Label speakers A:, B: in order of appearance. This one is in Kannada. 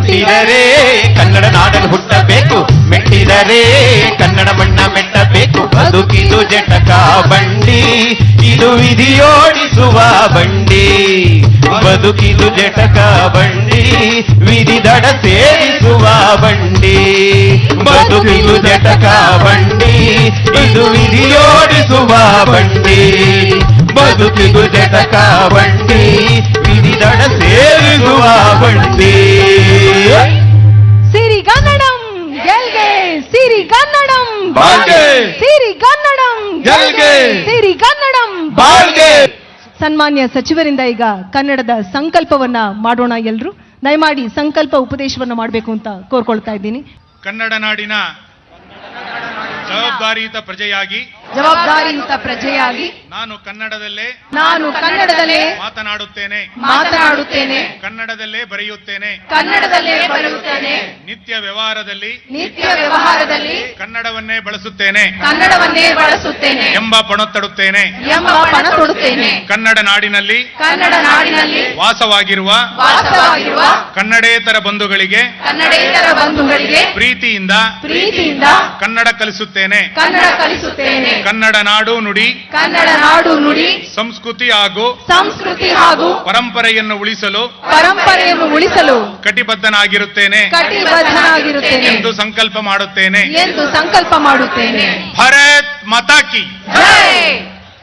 A: ಹುಟ್ಟಿದರೆ ಕನ್ನಡ ನಾಡಲು ಹುಟ್ಟಬೇಕು, ಮೆಟ್ಟಿದರೆ ಕನ್ನಡ ಮಣ್ಣ ಮೆಟ್ಟಬೇಕು. ಬದುಕಿದು ಜಟಕ ಬಂಡಿ, ಇದು ವಿಧಿಯೋಡಿಸುವ ಬಂಡಿ. ಬದುಕಿದು ಜಟಕ ಬಂಡಿ, ವಿಧಿ ದಡ ಸೇರಿಸುವ ಬಂಡಿ. ಬದುಕಿದು ಜಟಕ ಬಂಡಿ, ಇದು ವಿಧಿಯೋಡಿಸುವ ಬಂಡಿ. ಬದುಕಿದು ಜಟಕ ಬಂಡಿ, ವಿಧಿ ದಡ ಸೇರಿಸುವ ಬಂಡಿ.
B: ಸಿರಿಗನ್ನಡಂ ಗೆಲ್ಗೆ, ಸಿರಿಗನ್ನಡಂ
A: ಬಾಳ್ಗೆ,
B: ಸಿರಿಗನ್ನಡಂ
A: ಗೆಲ್ಗೆ,
B: ಸಿರಿಗನ್ನಡಂ
A: ಬಾಳ್ಗೆ.
B: ಸನ್ಮಾನ್ಯ ಸಚಿವರಿಂದ ಈಗ ಕನ್ನಡದ ಸಂಕಲ್ಪವನ್ನ ಮಾಡೋಣ. ಎಲ್ರು ದಯಮಾಡಿ ಸಂಕಲ್ಪ ಉಪದೇಶವನ್ನು ಮಾಡಬೇಕು ಅಂತ ಕೋರ್ಕೊಳ್ತಾ ಇದ್ದೀನಿ.
C: ಕನ್ನಡ ನಾಡಿನ ಜವಾಬ್ದಾರಿಯುತ ಪ್ರಜೆಯಾಗಿ ನಾನು ಕನ್ನಡದಲ್ಲೇ ಮಾತನಾಡುತ್ತೇನೆ, ಕನ್ನಡದಲ್ಲೇ ಬರೆಯುತ್ತೇನೆ. ನಿತ್ಯ ವ್ಯವಹಾರದಲ್ಲಿ ಕನ್ನಡವನ್ನೇ ಬಳಸುತ್ತೇನೆ ಎಂಬ ಪಣತೊಡುತ್ತೇನೆ. ಕನ್ನಡ ನಾಡಿನಲ್ಲಿ ವಾಸವಾಗಿರುವ ಕನ್ನಡೇತರ ಬಂಧುಗಳಿಗೆ ಪ್ರೀತಿಯಿಂದ ಕನ್ನಡ ಕಲಿಸುತ್ತೇನೆ. ಕನ್ನಡ ನಾಡು ನುಡಿ ಸಂಸ್ಕೃತಿ ಹಾಗೂ ಪರಂಪರೆಯನ್ನು ಉಳಿಸಲು ಕಟಿಬದ್ಧನಾಗಿರುತ್ತೇನೆ ಎಂದು ಸಂಕಲ್ಪ ಮಾಡುತ್ತೇನೆ. ಭಾರತ್ ಮಾತಾ ಕಿ ಜೈ.